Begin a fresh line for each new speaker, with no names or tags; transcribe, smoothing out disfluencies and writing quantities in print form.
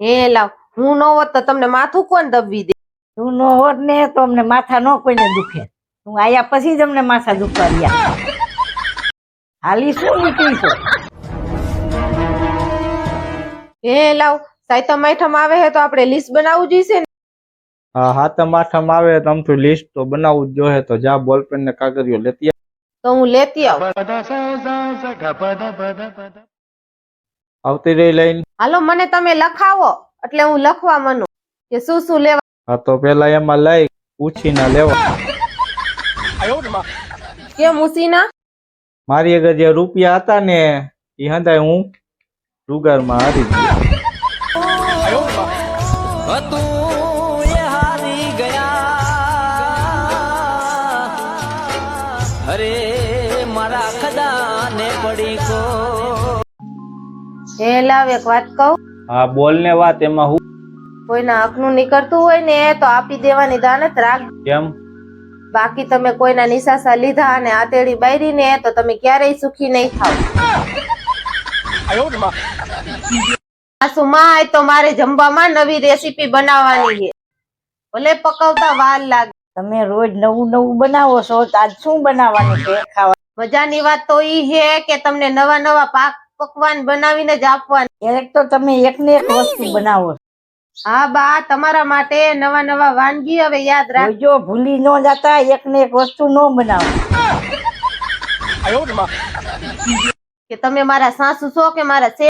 હે લાવ, હું ન હોત તો તમને માથું કોણ દબવી દે?
તું નો હોત ને તો અમને માથા નો કોઈને દુખે. તું આયા પછી જ અમને માથા દુખવા રહ્યા. હાલી શું નીકળી છો?
હે લાવ, સાયતમ આઠમ આવે હે તો આપણે લિસ્ટ બનાવવું જોઈશે ને.
હા, હાથમ આઠમ આવે તો આમથી લિસ્ટ તો બનાવવું જ જોઈએ. તો જા બોલપેન ને કાગળિયો લેતી આવ.
તો હું લેતી આવું.
આવતી રહી લઈને.
હાલો, મને તમે લખાવો એટલે હું લખવા માંડું કે શું શું લેવા.
હા, તો પેલા એમાં લઈ પૂછીને લેવા.
કેમ ઉસીના?
મારી આગળ જે રૂપિયા હતા ને એ હંધાય હું જુગારમાં હારી ગયો.
હે લાવ, એક વાત કહું.
હા, બોલ ને વાત. એમાં હું
કોઈના હકનું નીકળતું હોય ને તો આપી દેવાની દાનત રાખ.
કેમ?
બાકી તમે કોઈના નિશાસા લીધા અને આતેડી બાયરી ને તો તમે ક્યારેય સુખી નહીં થાવ. માય તો મારે જમવામાં નવી રેસીપી બનાવવાની છે. ભલે પકવતા વાર લાગે.
તમે રોજ નવું નવું બનાવો છો, તો આજ શું બનાવવાનું છે ખાવા?
મજાની વાત તો ઈ છે કે તમને નવા નવા પાક પકવાન બનાવીને જ આપવાની.
ક્યારેક તો તમે એક ને એક વસ્તુ બનાવો છો.
હા બા, તમારા માટે નવા નવા વાનગી હવે યાદ રાખ.
જો ભૂલી ન જતા, એક ને એક વસ્તુ ન બનાવો.
કે તમે મારા સાસુ છો કે મારા